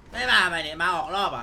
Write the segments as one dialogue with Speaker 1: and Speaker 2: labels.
Speaker 1: ไม่มาไหมเนี่ยมาออกรอบอ่ะ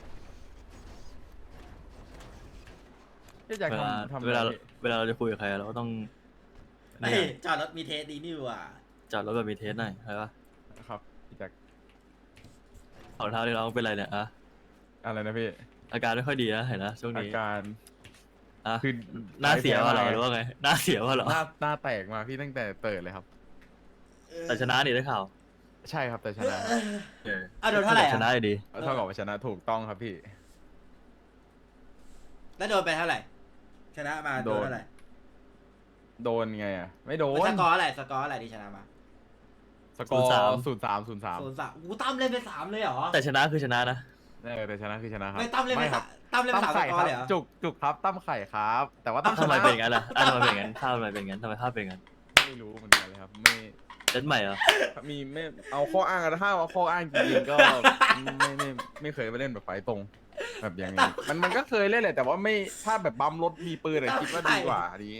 Speaker 2: พี่แจ็ค
Speaker 3: เวลา
Speaker 2: ทำ
Speaker 3: เวลา
Speaker 2: อะไรพี่
Speaker 3: เวลาเราจะคุยกับใครเราก็ต้อง
Speaker 1: เฮ้ย
Speaker 3: เนี่ย
Speaker 1: จอดรถมีเทสดีนี่หว่า
Speaker 3: จอดรถแบบมีเทสหน่อยใช่ปะ
Speaker 2: ครับพี่แจ็ค
Speaker 3: ของเท้าที่เราเป็นไรเนี่ยอะ
Speaker 2: อะไรนะพี่
Speaker 3: อาการไม่ค่อยดีนะเห็นนะช่วง
Speaker 2: อา
Speaker 3: นี้
Speaker 2: การ
Speaker 3: อะ
Speaker 2: คือ
Speaker 3: หน้าเสียว่าเหรอ
Speaker 2: ไง
Speaker 3: หรือว่าไงหน้าเสียว่าเหรอ
Speaker 2: หน้าแตกมาพี่ตั้งแต่เปิดเลยครับ
Speaker 3: แต่ชนะนี่ได้ข่าว
Speaker 2: ใช่ครับแต่ชนะ
Speaker 3: เออ
Speaker 1: เอาโดนเท่าไหร่
Speaker 3: ชนะ
Speaker 1: อ่ะ
Speaker 3: อยู่ดี
Speaker 2: เท่ากับว่าชนะถูกต้องครับพี่
Speaker 1: แล้วโดนไปเท่าไหร่ชนะมาโดนเท่าไหร่
Speaker 2: โดนไงอ่ะไม่โดน
Speaker 1: สกอร์อะไรสกอร์อะไรที่ชนะมา
Speaker 2: สกอร์
Speaker 3: 0-3
Speaker 2: 0-3
Speaker 1: 0-3อู้ตั้มเล่นไป3เลยเหรอ
Speaker 3: แต่ชนะคือชนะนะ
Speaker 2: แต่ชนะคือชนะครับ
Speaker 1: ไม่ตั้มเล่นไป
Speaker 2: ครั
Speaker 1: ตั้มเล่นไป3ส
Speaker 2: ไข่
Speaker 1: กอ
Speaker 2: ครั
Speaker 1: ร์
Speaker 2: บ
Speaker 1: เลยเหรอ
Speaker 2: จุกครับตั้มไข่ครับ แต่ว่าตั้มช
Speaker 3: ทำไม
Speaker 2: นะ
Speaker 3: เป็นอย่างนั้นล่ะทำไมเป็นอย่างนั้นภาพทำไมเป็นอย่างนั้นทำไมภาพเป็นอย่างนั้น
Speaker 2: ไม่รู้เหมือนกันเลยครับไม่
Speaker 3: เล่นใหม่เหรอ
Speaker 2: มีไม่เอาข้ออ้างอะถ้าเอาข้ออ้างจริงๆก็ไม่เคยไปเล่นแบบไฟตรง แบบอย่างนี้มันก็เคยเล่นแหละแต่ว่าไม่ถ้าแบบบัมรถมีปืนอะคิดว่าดีกว่าอันนี้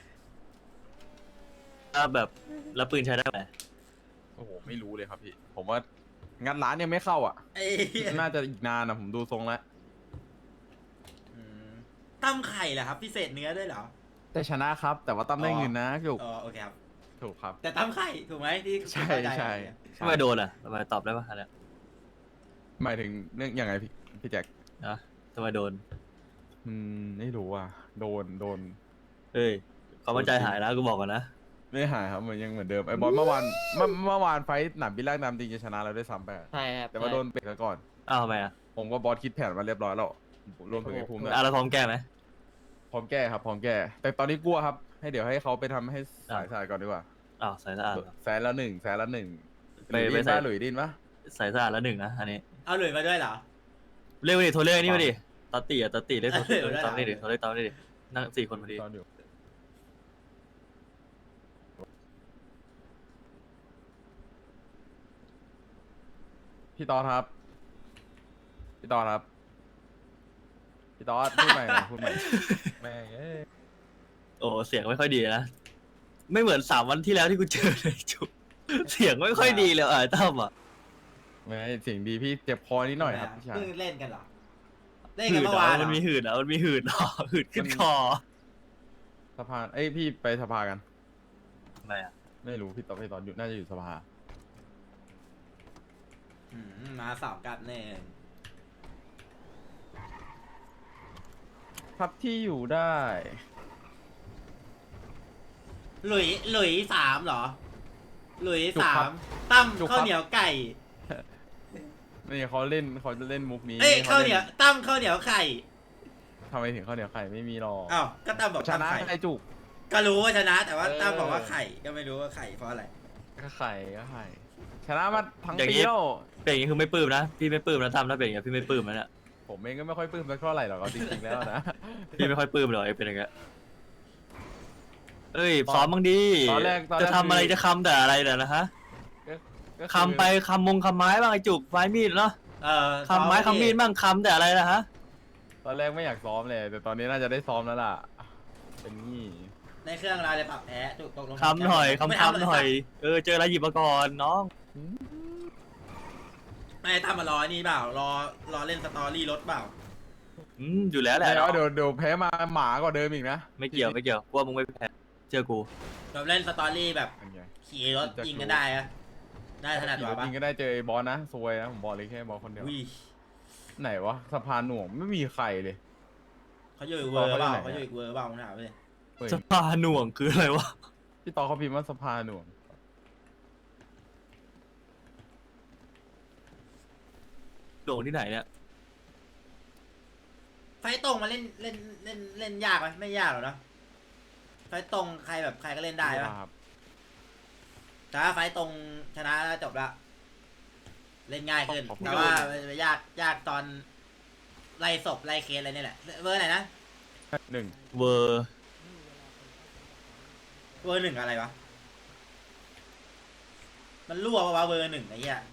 Speaker 3: ถ้าแบบแล้วปืนใช้ได้ไหม
Speaker 2: โอ้โหไม่รู้เลยครับพี่ ผมว่างัดร้านยังไม่เข้าอ่ะ
Speaker 1: ไอ้เหี้ย
Speaker 2: น่าจะอีกนานนะผมดูทรงแล้ว
Speaker 1: อืมตั้มไข่เหรอครับพิเศษเนื้อด้วยเหรอ
Speaker 2: แต่ชนะครับ แต่ว่าตั้มได้เงินนะถูก
Speaker 1: อ๋อโอเคครับ
Speaker 2: ถูกครับ
Speaker 1: แต่ตั้มไข่ถูกไหมที่
Speaker 2: ใช่
Speaker 1: เข้าจ
Speaker 2: ใช่
Speaker 3: ทำไมโดนอ่ะทำไมตอบได้ปะอันเนี้ย
Speaker 2: หมายถึงเรื่องยังไงพี่แจ็ค
Speaker 3: นะทำไมโดน
Speaker 2: ไม่รู้อ่ะโดน
Speaker 3: เอ้ยความมั่นใจหายนะกูบอกก่อนนะ
Speaker 2: ไม่หายครับมันยังเหมือนเดิมไอ้บอลเมื่อวานไฟท์หนามบิลล่างนามจริงจะชนะเราได้วยซ้ำไปอะ
Speaker 4: ใช่ครับ
Speaker 2: แต่ว่าโดนเบรกซะก่อน
Speaker 3: อ้าวทำไมอ่ะ
Speaker 2: ผมก็บอสคิดแผนมาเรียบร้อยแล้วรวมถึงไอ้ภูมิด้วย
Speaker 3: อ่ะเราพร้อมแก้ไหม
Speaker 2: พร้อมแก้ครับพร้อมแก้ แต่ตอนนี้กลัวครับเดี๋ยวให้เขาไปทำให้สายสะอาดก่อนดีกว่า
Speaker 3: อ้าวใส่สะอาดเหรอ
Speaker 2: แสนละหนึ่งห
Speaker 3: ไป
Speaker 2: ลุย
Speaker 3: ไป
Speaker 2: ดิน
Speaker 3: ใส่
Speaker 2: ปะหลุยดินปะ
Speaker 3: ใส่สะอาดแล้วหนึ่งนะอันนี้
Speaker 1: เอาหลุยมาด้วยเหรอ
Speaker 3: เรียกมาดิโทรเรียกไอ้นี่มาดิตอตตี้อ่ะตอตตี้เรียกโทร
Speaker 1: เออได้
Speaker 3: ตามนี่ดิโทรเรียกตามนี่ดินั่ง4 คนพอดี
Speaker 2: ตอนอยู่พี่ตอดครับพี่ตอดครับพี่ตอดพูดใหม่หน่อยพูดใหม่แม่งเอ้ย
Speaker 3: โอ้เสียงไม่ค่อยดีนะไม่เหมือน3 วันที่แล้วที่กูเจอเลยจุ๊บเสียงไม่ค่อยดีเลยไอ้ตั้มอ่ะ
Speaker 2: ไม่เสียงดีพี่เจ็บคอนิดหน่อยครับพี่ชาย
Speaker 1: เพิ่งเล่นกันเหรอเล่น
Speaker 3: หื
Speaker 1: กัน
Speaker 3: ด
Speaker 1: เมื่
Speaker 3: เหร
Speaker 1: อ
Speaker 3: อ
Speaker 1: วานเหร
Speaker 3: มั
Speaker 1: อน
Speaker 3: มีหืดเหรอมันมีหืดเหรอหืดขึ้นคอ
Speaker 2: สภาเอ้ยพี่ไปสภากัน
Speaker 3: ทำไมอ่ะ
Speaker 2: ไม่รู้พี่ตอดอยู่น่าจะอยู่สภา
Speaker 1: มาสาวกัดแน่
Speaker 2: ครับที่อยู่ได้
Speaker 1: หลุย3เหรอ หลุย
Speaker 2: จุกครับ
Speaker 1: 3ตั้ม
Speaker 2: จุกครับ
Speaker 1: ข้าวเหนียวไก่
Speaker 2: นี่เขาเล่นมุกนี้
Speaker 1: เอ้ย
Speaker 2: ข
Speaker 1: ข้าวเหนียวตั้มข้าวเหนียวไข่
Speaker 2: ทำไมถึงข้าวเหนียวไข่ไม่มีหรอก
Speaker 1: อ้าวก็ตั้มบอก
Speaker 2: ช
Speaker 1: ตั้ม
Speaker 2: นะ
Speaker 1: ไข่
Speaker 2: ไข่จุก
Speaker 1: ก็รู้ว่าชนะ แต่ว่า
Speaker 2: เออ
Speaker 1: ตั้มบอกว่าไข่ก็ไม่รู้ว่าไข่เพราะอะไร
Speaker 2: ก็ไข่ชนะมาทั้ง
Speaker 3: อย่าง
Speaker 2: ปี
Speaker 3: นี้
Speaker 2: แล้ว
Speaker 3: เป็นอย่างนี้คือไม่ปลื้มนะพี่ไม่ปลื้มนะตั้มถ้าเป็นอย่างนี้พี่ไม่ปลื้มนะเนี่ย
Speaker 2: ผมเองก็ไม่ค่อยปลื้มสักเท่าไหร่หรอกเอาจริงๆแล้วนะ
Speaker 3: พี่ไม่ค่อยปลื้มหรอกไอ้เป็นอย่างเงี้ยเอ้ยซ้อมบ้างดี
Speaker 2: ตอนแรก
Speaker 3: จะทำอะไรจะคำแต่อะไรเดี๋ยวนะฮะ
Speaker 2: ก็อ
Speaker 3: คำไปคำคำไม้บ้างไอ้จุกไม้มีดเนาะ
Speaker 1: ซ้อ
Speaker 3: คำไม้คำมีดบ้างคำแต่อะไรนะฮะ
Speaker 2: ตอนแรกไม่อยากซ้อมเลย แต่ตอนนี้น่าจะได้ซ้อมแล้วล่ะ เป็นนี่
Speaker 1: ในเครื่องเราเลยปรับแพ้ถูกตกลง
Speaker 3: คำหน่อย
Speaker 1: ไม่
Speaker 3: คำหน่อยเจออะไรหยิบมาก่อนน้อง
Speaker 1: ไม่ตั้มมารอนี่เปล่ารอเล่นสตอรี่รถเปล่า
Speaker 3: อยู่แล้วแหละ
Speaker 2: แล้ว
Speaker 3: น้อง
Speaker 2: เดี๋ยวแพ้มาหมากว่าเดิมอีกนะ
Speaker 3: ไม่เกี่ยวกลัวมึงไม่แพ้เจอกู
Speaker 1: แบบเล่นสตอรี่แบบ
Speaker 2: เป็นไง
Speaker 1: ขี่รถยิงกันได้อะได้ถนัดกว่าปะ
Speaker 2: จริงก็ได้เจอไอ้บอสนะซวยนะผมบอกเลยแค่บอสคนเดียว
Speaker 1: อุ้ย
Speaker 2: ไหนวะสะพานหน่วงไม่มีใครเลย
Speaker 1: เขาอยู่อีกเวอร์เปล่า
Speaker 2: เขา
Speaker 1: เขา
Speaker 2: อ
Speaker 1: อยู่ ยู่อีกเวอร์เปล่าผมถามเลย
Speaker 2: เฮ้ย
Speaker 3: สภาหน่วงคืออะไรวะ
Speaker 2: พี่ต่อเขาพิมพ์ว่าสะพานหน่วง
Speaker 3: หน่วงที่ไหนเนี่ย
Speaker 1: ไฟตรงมาเล่นยากไหมไม่ยากหรอกเนอะไฟตรงใครแบบใครก็เล่นได้ปะ
Speaker 2: ครับ
Speaker 1: แต่ถ้าไฟตรงชนะแล้วจบละเล่นง่ายขึ้นแต่ว่ามันยากตอนไล่ศพไล่เคสอะไรนี่แหละเวอร์ไหนนะ
Speaker 2: 1
Speaker 3: เวอร์
Speaker 1: เวอร์ 1อะไรวะมันรั่วปะวะเวอร์ 1ไอ้เหี้ย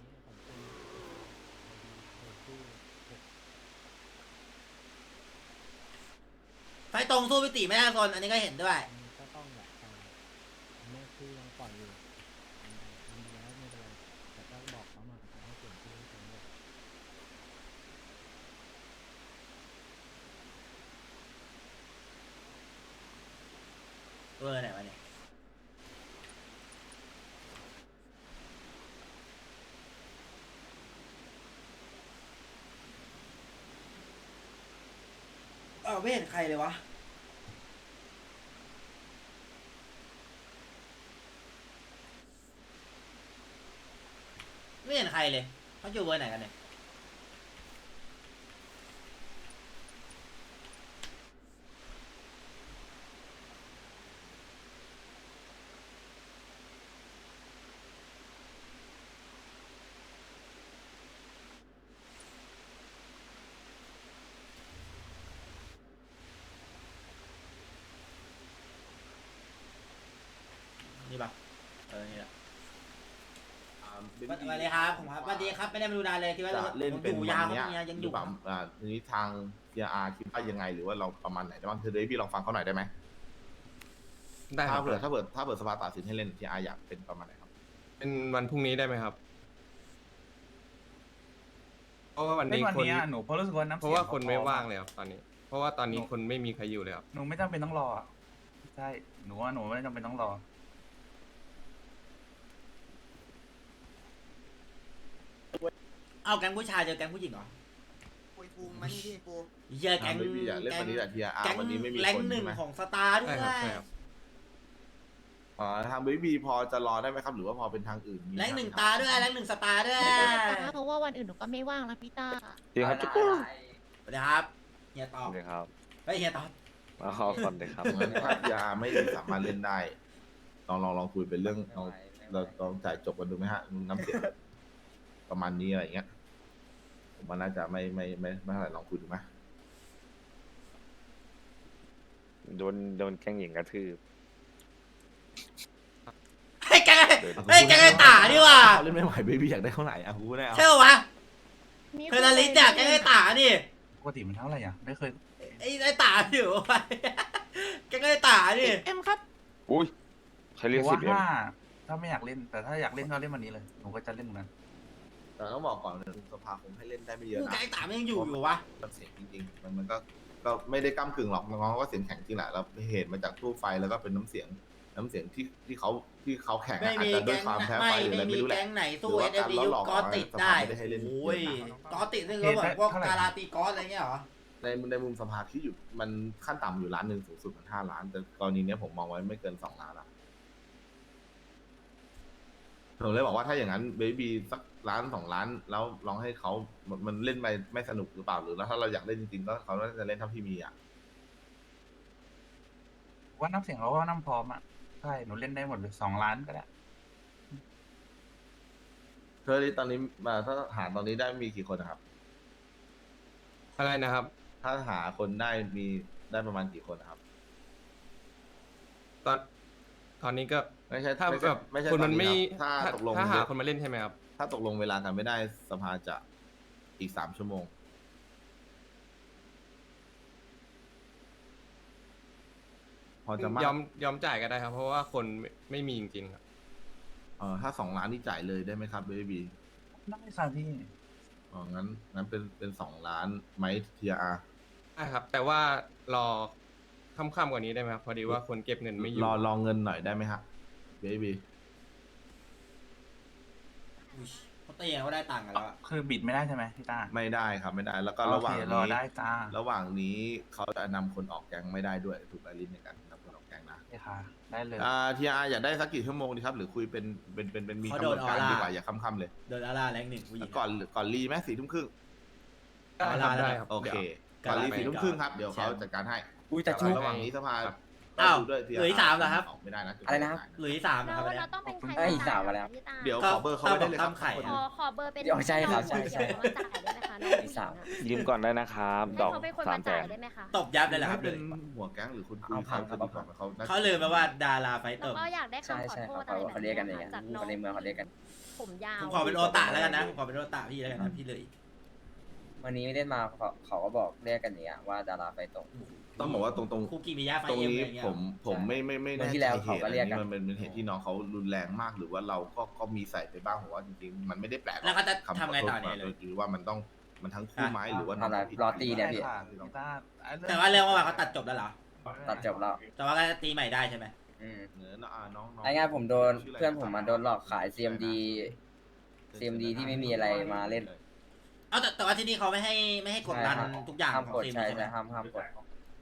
Speaker 1: ไฟตรงสู้พิติไม่ได้คนอันนี้ก็เห็นด้วย
Speaker 4: ก็ต้องแบบไม่คือยังปล่อยอยู่ทำแล้วไม่เป็นไรแต่ก็บอกเขามาให้เปลี่ยนชื่อให้ตรงด้วย
Speaker 1: ไม่เห็นใครเลยวะไม่เห็นใครเลยเขาอยู่เบอร์ไหนกันเนี่ยนี่ปะนี่แหละสวัสดีครับผมครับสวัสดีครับไม่ได้มาดูนานเลยที่ว่า
Speaker 5: จะเล่นเป็น
Speaker 1: อยู่
Speaker 5: วัน
Speaker 1: ยาว
Speaker 5: เนี้ย
Speaker 1: ครับยัง
Speaker 5: ห
Speaker 1: อ
Speaker 5: รื
Speaker 1: ยู่
Speaker 5: อเปล่าทีนี้ทาง CR คิดว่ายังไงหรือว่าเราประมาณไหนได้บ้างเธอได้พี่ลองฟังเขาหน่อยได้ไหม
Speaker 6: ได้ค
Speaker 5: ถ้า
Speaker 6: รับ
Speaker 5: เผื่อสภาตัดสินให้เล่น CR อยากเป็นประมาณไหนครับ
Speaker 6: เป็นวันพรุ่งนี้ได้ไหมครับ เพราะว่าวัน
Speaker 7: เล่
Speaker 6: นี้
Speaker 7: นวัน
Speaker 6: คน
Speaker 7: นี้อะหนูเพราะรู้สึกว่าน้ำ
Speaker 6: เพ
Speaker 7: เสียง
Speaker 6: ราะว่าคน
Speaker 7: ข
Speaker 6: ไม่
Speaker 7: พอ
Speaker 6: ว่างเลยครับตอนนี้ เพราะว่าตอนนี้คนไม่มีใครอยู่เลยครับ
Speaker 7: หนูไม่จำเป็นต้องรออะใช่หนูว่าหนูไม่จำเป็นต้องรอ
Speaker 1: เอาแก๊งผู้ชายเจอแก๊งผู้หญิงเหรอ
Speaker 8: ปุยภูมิมานี่พี่ปู
Speaker 1: เยอะแก๊ง
Speaker 5: ไม่มีอยากเล่นวันนี้แต่ TR
Speaker 1: แก๊ง
Speaker 5: วันนี้ไม่มี
Speaker 1: แรง
Speaker 5: คน
Speaker 1: หนึ่
Speaker 5: ใช่
Speaker 1: ง
Speaker 5: ไหม
Speaker 1: ของสตาร์ด้ว
Speaker 6: ใช่
Speaker 1: ย
Speaker 6: ครับใช่ครับ
Speaker 5: ทางเบบี้พอจะรอได้ไหมครับ หรือว่าพอเป็นทางอื่นมี
Speaker 1: แรงหนึ่งตาด้วยแรงหนึ่งสตาร์ด้วย
Speaker 9: เพราะว่าวันอื่นหนูก็ไม่ว่างแล้วพี่ต้า
Speaker 10: จริงครับจุ๊บ
Speaker 1: สวัสดีครับเฮียตอบ
Speaker 10: เลยครับ
Speaker 1: เฮ้ยเฮียตอบ
Speaker 10: มาขอก่อนเลยครับ
Speaker 5: งั้นถ้า TR ไม่สามารถเล่นได้ลองคุยเป็นเรื่องเราลองจ่ายจบกันดูไหมฮะน้ำเสียงประมาณนี้อะไรอย่างเงี้ยผมว่าน่าจะไม่เท่าไหร่ลองคุยดูไหม
Speaker 10: โดนแกล้งหญิงกระทืบ
Speaker 1: ให้แก๊งให้แก๊งไอ้ตาดีกว่า
Speaker 5: เขาเล่นไม่ไหวเบบี้อยากได้เท่าไหร่อ่ะกูไม่ได้เอา
Speaker 1: ใช่ปะวะเทอร์นาลิสเนี่ยแก๊งไอ้ตานี่
Speaker 7: ปกติมันเท่าไหร่อ่ะไม่เคย
Speaker 1: ไอ้ตาอยู่ไปแก๊งไอ้ตานี่
Speaker 9: เอ็มครับ
Speaker 10: อุ้ยใคร
Speaker 7: ห
Speaker 10: เรีย
Speaker 7: นู
Speaker 10: ก
Speaker 7: ว่า
Speaker 10: 10M
Speaker 7: ถ้าไม่อยากเล่นแต่ถ้าอยากเล่นก็เล่นวันนี้เลยหนูก็จะเล่นวันนั้น
Speaker 5: แต่ต้องบอกก่อนนะสภาคงให้เล่นได้ไม่เยอะ
Speaker 1: แก๊ง
Speaker 5: นะ
Speaker 1: ไอ้ตาไม่ยังอยู่วะ
Speaker 5: มันเสียงจริงๆมันก็ไม่ได้ก้ากึ่งหรอกน้องๆก็เสียงแข็งจริงแหละแล้วเหตุมาจากตู้ไฟแล้วก็เป็นน้ำเสียงที่เขาแข่ง
Speaker 1: ไม่
Speaker 5: อาจ
Speaker 1: มี
Speaker 5: จะด้ว
Speaker 1: แก๊
Speaker 5: ย
Speaker 1: ง
Speaker 5: ความแพ้
Speaker 1: ไม่
Speaker 5: ไฟหรืออะไร
Speaker 1: ไม่มี
Speaker 5: ไม่รู้แหละ
Speaker 1: แก๊งไหนสู้
Speaker 5: หรือ
Speaker 1: เอ
Speaker 5: ว่า
Speaker 1: สเอ
Speaker 5: การ
Speaker 1: วี
Speaker 5: ล้อ
Speaker 1: ยุ
Speaker 5: หลอก
Speaker 1: กอติดได้
Speaker 5: สภาไม่ได้ให้เล่น
Speaker 1: โอ้ย
Speaker 5: เยอะนะ
Speaker 1: กอติดซึ่งเขาเหมือนพวกการาตีกอสอะไรเงี้ยเหรอ
Speaker 5: ในมุมสภาที่อยู่มันขั้นต่ำอยู่ล้านหนึ่งสูงสุดมัน5 ล้าน แต่กรณีเนี้ยผมมองไว้ไม่เกิน2 ล้านละผมเลยบอกว่าถ้าอย่างนั้นเบบี้สัก1-2 ล้านแล้วลองให้เขามันเล่นไปไม่สนุกหรือเปล่าหรือแล้วถ้าเราอยากเล่นจริงๆก็เขาน่าจะเล่นเท่าที่มีอ่ะ
Speaker 7: ว่าน้ำเสียงเขาว่าน้ำพร้อมอ่ะใช่หนูเล่นได้หมดเลย2 ล้านก็ได้
Speaker 5: เธอที่ตอนนี้ถ้าหาตอนนี้ได้มีกี่คนนะครับ
Speaker 6: อะไรนะครับ
Speaker 5: ถ้าหาคนได้ประมาณกี่คนนะครับ
Speaker 6: ตอนนี้ก็
Speaker 5: ไม่ใช่
Speaker 6: ถ้า
Speaker 5: ไม่
Speaker 6: แบ
Speaker 5: ใช่
Speaker 6: บ
Speaker 5: ไม่ใช่
Speaker 6: คนมัน
Speaker 5: ตอ
Speaker 6: ไม่
Speaker 5: ครับถ้าตกลง
Speaker 6: ถ้าหาคนมาเล่นใช่ไหมครับ
Speaker 5: ถ้าตกลงเวลากันไม่ได้สภาจะอีก3 ชั่วโมง พอจะมาก
Speaker 6: ยอมจ่ายก็ได้ครับ เพราะว่าคนไม่มีจริงๆครับ
Speaker 5: ถ้า2 ล้านนี่จ่ายเลยได้ไหมครับเบบี้
Speaker 7: ได้ค่ะพี่
Speaker 5: งั้นเป็น2 ล้านไหมทีอาร์
Speaker 6: ได้ครับ แต่ว่ารอค่ำๆกว่านี้ได้ไหมครับ พอดีว่าคนเก็บเงินไม่อยู่
Speaker 5: รอเงินหน่อยได้ไหมฮะเบบี้
Speaker 1: เขาตีกันก็ได้ตังค์กันแล้วอะ
Speaker 7: คือบิดไม่ได้ใช่ไหมพี่ต้า
Speaker 5: ไม่ได้ครับไม่ได้ แล้วก็
Speaker 7: โอ
Speaker 5: ระห
Speaker 7: เค
Speaker 5: ว่าง
Speaker 7: รอ
Speaker 5: นี้
Speaker 7: ได้จ้า
Speaker 5: ระหว่างนี้เขาจะนำคนออกแก๊งไม่ได้ด้วยถูกไหมลิ้นในการนำคนออกแก๊งนะ
Speaker 7: โอเคค่ะได้เลย
Speaker 5: ทีอาร์อยากได้สักกี่ชั่วโมงดีครับ หรือคุยเป็นมีกำหนดการดีกว่าอย่าค่ำๆเลย
Speaker 1: เดินอาร่าแรงหนึ่งผู้หญิง
Speaker 5: ก่อนรีไหม4 ทุ่มครึ่ง
Speaker 6: ได้ครับได้ครับ
Speaker 5: โอเค ก่อนรี4 ทุ่มครึ่งครับเดี๋ยวเขาจัดการให้
Speaker 10: อุ้ยแต่ชุบ
Speaker 5: ระหว่างนี้สภา
Speaker 1: อ้าว
Speaker 5: ดูด้วย
Speaker 1: เหลืออีก3เหรอครับ
Speaker 5: ออกไม่ได้นะจุด
Speaker 10: อะไรนะครับ
Speaker 1: หรือที่3นะครับ
Speaker 9: แล้ว
Speaker 1: เนี่ย
Speaker 9: เราต้องเป็นใคร
Speaker 10: เอ้ยสามมาแล้ว
Speaker 9: พี่ต้า
Speaker 5: เดี๋ยวขอเบอร์เขาไม่ได้เลยครับ
Speaker 1: ตั้มไข่
Speaker 9: ขอเบอร์เป็น
Speaker 10: เดี๋ยวใช่ครับใช่
Speaker 9: น้องมาจ่ายได้ไหมคะน้อง
Speaker 10: อีก3ยืมก่อนได้นะครับ
Speaker 9: ให้
Speaker 10: ดอก
Speaker 9: เขาเป็นคน
Speaker 10: 3
Speaker 9: มา
Speaker 10: แส
Speaker 9: จ่าย
Speaker 10: น
Speaker 9: ได้ไหมคะ
Speaker 1: ตบยับเลยเหรอครับ
Speaker 5: เป็นหัวแก๊งหรือคุณคุย
Speaker 10: เอาพังครับ
Speaker 5: ดีกว่าเขา
Speaker 1: เขาลืมไปว่าดาราไฟต
Speaker 9: แล้ว
Speaker 1: บ
Speaker 9: ก็อยากได้
Speaker 10: ใช่
Speaker 9: คำขอ
Speaker 10: ใช่
Speaker 9: โท
Speaker 10: ครับ
Speaker 9: ษอะไรแบบ
Speaker 10: เขาเรียกกันอย่าง
Speaker 9: นี้
Speaker 10: เงี้ย
Speaker 9: จากน้อง
Speaker 10: คนในเมืองเขาเรียกกัน
Speaker 9: ผมยาว
Speaker 1: ผมขอเป็นโอตาแล้วกันนะผมขอเป็นโอตาพี่แล้วกันนะพี่เลย
Speaker 10: วันนี้ไม่ได้มาเขาก็บอกเรียกกันอย่างเงี้ยว่าดาราไฟตก
Speaker 5: ต้องบอกว่าตรง
Speaker 1: คุกกี้มีย่าไฟ
Speaker 5: ตรง
Speaker 1: เอ็ม
Speaker 5: นี้
Speaker 1: อะไรเงี้ย
Speaker 5: ผมไม่
Speaker 10: วัน
Speaker 5: แน่
Speaker 10: ที่
Speaker 5: ใจ
Speaker 10: แล้ว
Speaker 5: เห
Speaker 10: เขา
Speaker 5: ตุ
Speaker 10: ก็
Speaker 5: อัน
Speaker 10: เรียก
Speaker 5: นี้
Speaker 10: กัน
Speaker 5: มันเป็นเหตุที่น้องเขารุนแรงมากหรือว่าเราก็มีใส่ไปบ้างผมว่าจริงๆมันไม่ได้แปลกหรอก
Speaker 1: แล้วก็จะ
Speaker 5: คำข
Speaker 1: ทำไงต่อเนี่ยเลย
Speaker 5: หรือว่ามันทั้งคู่ไหมหรือว่า
Speaker 10: ทำอะไรรอตีเนี่ยพี่
Speaker 7: ได้ค่ะพี่ต้า
Speaker 1: แต่ว่าเรื่องว่าเขาตัดจบแล้วเหรอ
Speaker 10: ตัดจบแล้ว
Speaker 1: แต่ว่าก็จะตีใหม่ได้ใช่ไหม
Speaker 10: อืม
Speaker 5: เนื้อน้อง
Speaker 10: ง่ายๆผมโดนเพื่อนผมมาโดนหลอกขาย CMD ที่ไม่มีอะไรมาเล่น
Speaker 1: เอาแต่ว่าที่นี่เขาไม่ให้กดดันทุกอย่าง
Speaker 10: ห้าม
Speaker 1: ของ
Speaker 10: กด
Speaker 1: ทีม
Speaker 10: ใช่
Speaker 1: ใช่ไหม
Speaker 10: ใช่ห้ามกด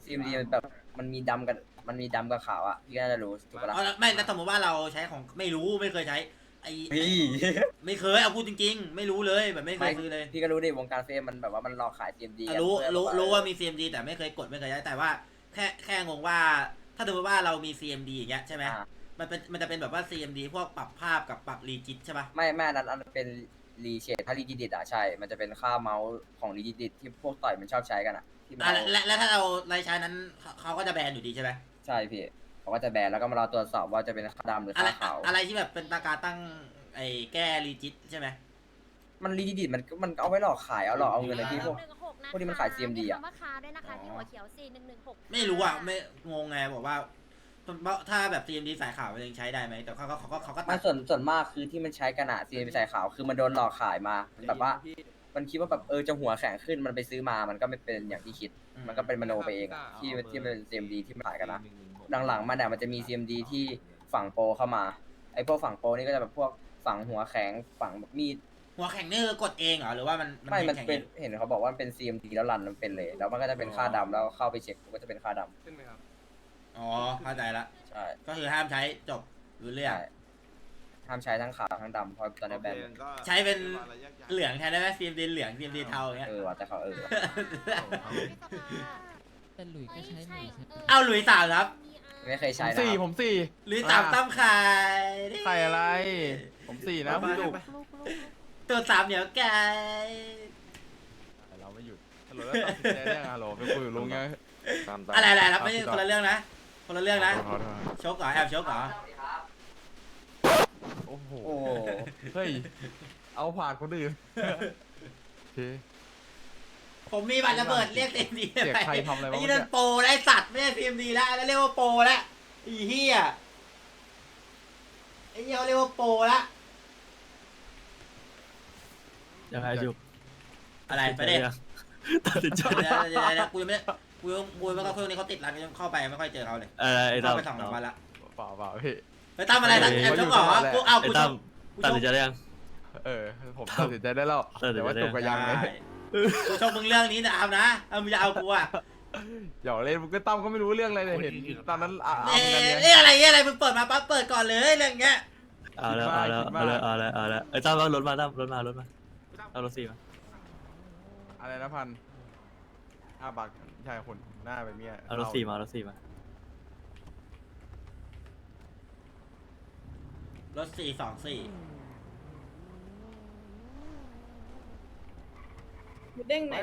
Speaker 10: CMD มันแบบมันมีดำกับขาวอ่ะพี่ก็น่าจะรู้ถูกปะล่ะ
Speaker 1: เอาละไม่แล้วสมมติว่าเราใช้ของไม่รู้ไม่เคยใช้ไอ้
Speaker 10: พี่
Speaker 1: ไม่เคยเอาพูดจริงๆ ไม่รู้เลยแบบไม่เคยซื้อเลย
Speaker 10: พี่ก็รู้ดิวงการเฟซมันแบบว่ามันหลอกขาย CMD
Speaker 1: อ่ะ
Speaker 10: อะ
Speaker 1: รู้ว่ามี CMD แต่ไม่เคยกดไม่เคยใช้แต่ว่าแค่งงว่า ถ้าสมมติว่าเรามี CMD อย่างเงี้ยใช่ไหม
Speaker 10: อ่า
Speaker 1: มันจะเป็นแบบว่า CMD พวกปรับภาพกับปรับรีจิตใช่ปะ
Speaker 10: ไม่อันนั้นเป็นรีเชดถ้ารีจิดิตอ่ะใช่ มันจะเป็นค่าเมาส์ของรีจิดิตที่พวกต่อยมันชอบใช้กันอ่ะที่มัน
Speaker 1: อ่ะ
Speaker 10: เอา
Speaker 1: และถ้าเราใช้นั้นเขาก็จะแบนอยู่ดีใช่ไหม
Speaker 10: ใช่พี่เขาก็จะแบนแล้วก็มารอตรวจสอบว่าจะเป็นค่าดำหรือ
Speaker 1: อะไร
Speaker 10: ค่าขาว
Speaker 1: อะไรที่แบบเป็นตาการตั้งไอ้แก้รีจิตใช่ไหม
Speaker 10: มันรีจิดิตมันเอาไไว้หลอกขายเอาหลอกเอาเงินเลยพี่พวก
Speaker 9: 116
Speaker 10: พวกนี้มันขาย CMD อะ
Speaker 9: คำว่าคาด้วยนะคะที่หัวเขียว4116
Speaker 1: ไม่รู้อ่ะไม่งงไงบอกว่าถ้าแบบ CMD สายขาวมันยังใช้ได้ไหมแต่เขาก็ตั
Speaker 10: มั
Speaker 1: ด
Speaker 10: นส่วนมากคือที่มันใช้กันอะซีใส่ขาวคือมันโดนหลอกขายมาแบบว่า มันคิดว่าแบบจะหัวแข็งขึ้นมันไปซื้อมามันก็ไม่เป็นอย่างที่คิด มันก็เป็นมโนไปเองอะที่มันเป็น CMD ที่มันขายกันนะหลังๆมันเนี่ยมันจะมี CMD ที่ฝั่งโปรเข้ามาไอ้พวกฝั่งโปรนี่ก็จะแบบพวกฝั่งหัวแข็งฝั่งมีด
Speaker 1: หัวแข็งนี่คือกดเองเหรอหรือว่ามัน
Speaker 10: ไม่มัน
Speaker 1: แข็ง
Speaker 10: เป็น
Speaker 1: อง
Speaker 10: เห็นเขาบอกว่ามันเป็น CMD แล้วรันมันเป็นเลย แล้วมันก็จะเป็นค่าดำแล้วเข้าไปเช็คก็จะเป็นค่าดำ
Speaker 6: ขึ้นไหมครับ
Speaker 1: อ๋อเข้าใจละ
Speaker 10: ใช่
Speaker 1: ก็คือห้ามใช้จบรู้เรื่อง
Speaker 10: ใช่ห้ามใช้ทั้งขาวทั้งดำเพราะตอนนี้แบน
Speaker 1: ใช้เป็นเหลืองแทนได้ไหม CMD เหลือง CMD เทาอย่างเงี้ย
Speaker 10: ว่ะแต่เขาว่ะ
Speaker 4: แต่หลุยก็ใช้หลุยใช่
Speaker 1: เอาหลุยส์สามครับ
Speaker 10: ไม่เคย
Speaker 2: ผ
Speaker 10: ใช้
Speaker 2: ม
Speaker 10: นะ
Speaker 2: สี่
Speaker 10: ครับ
Speaker 2: ผมสี่
Speaker 1: หลุยส์สามตั้มไข่
Speaker 2: ใครอะไร ผมสี่นะพี่ดุก
Speaker 1: ตัวสามเหนียวไก่
Speaker 2: เราไม่หยุดฮัลโหลแล้วตัดสินใจได้ยังฮัลโหลไปคุยกับลุงไง
Speaker 1: อะไรครับไม่ใช่คนละเรื่องนะคนละเรื่องนะ
Speaker 2: ขอโทษ
Speaker 1: ชกเหรอแอบชกเหรอ
Speaker 2: โอ้โห
Speaker 10: โอ้โห
Speaker 2: เฮ้ย เอาผ่านคนอื่นโอเค
Speaker 1: ผมมีบัตรระเบิดเรียก CMD
Speaker 2: เสียใครทำอะไรวะ
Speaker 1: ไอ้นี่นั่นโปรแล้วไอ้สัตว์ไม่ใช่ CMD แล้วแล้วเรียกว่าโปรแล้วไอ้เหี้ยไอ้เหี้ยเขาเรียกว่าโปรละ
Speaker 3: ยังไงจุก
Speaker 1: อะไรไปดิ
Speaker 3: ตัดสินใจ
Speaker 1: เดี๋ยวกูยังไม่กูไม่ค่อยคนนี้เขาติดร้านเข้าไปไม่ค่อยเจอเขาเลย
Speaker 3: ไอ้ตั้
Speaker 1: เข้าม ไป2 วันละ
Speaker 2: เปล่าพี่
Speaker 1: ไปตั้มอะไรนะแอบชกเหรอกูเอา
Speaker 3: ไอ้
Speaker 1: กูช
Speaker 3: ตั้
Speaker 1: ก
Speaker 3: มตัดสินใจได้ยัง
Speaker 2: ผมตัดสินใจได้แล้ว
Speaker 3: ตัดสินใจได้
Speaker 2: แต่ว่าจุกกับยังเลย
Speaker 1: กูชกมึงเรื่องนี้นะเอานะเอามึงจะเอากูอ่ะ
Speaker 2: หยอกเล่นมึงก็ตั้มก็ไม่รู้เรื่องอะไรเลยเห็นตอนนั้นอ่ะ
Speaker 1: เอ๊
Speaker 2: กันไง
Speaker 1: ะอะไรมึงเปิดมาปั๊บเปิดก่อนเลยเรื่องเงี้ย
Speaker 3: เอาแล้วไอ้ตั้มเอารถมาตั้มรถมาเอารถสี่มา
Speaker 2: อะไรนะพัน5 บาทใช่คนหน้าไปเมีย
Speaker 3: เอารถสี่มาเอารถสี่มา
Speaker 1: รถ424
Speaker 11: เด้งไหน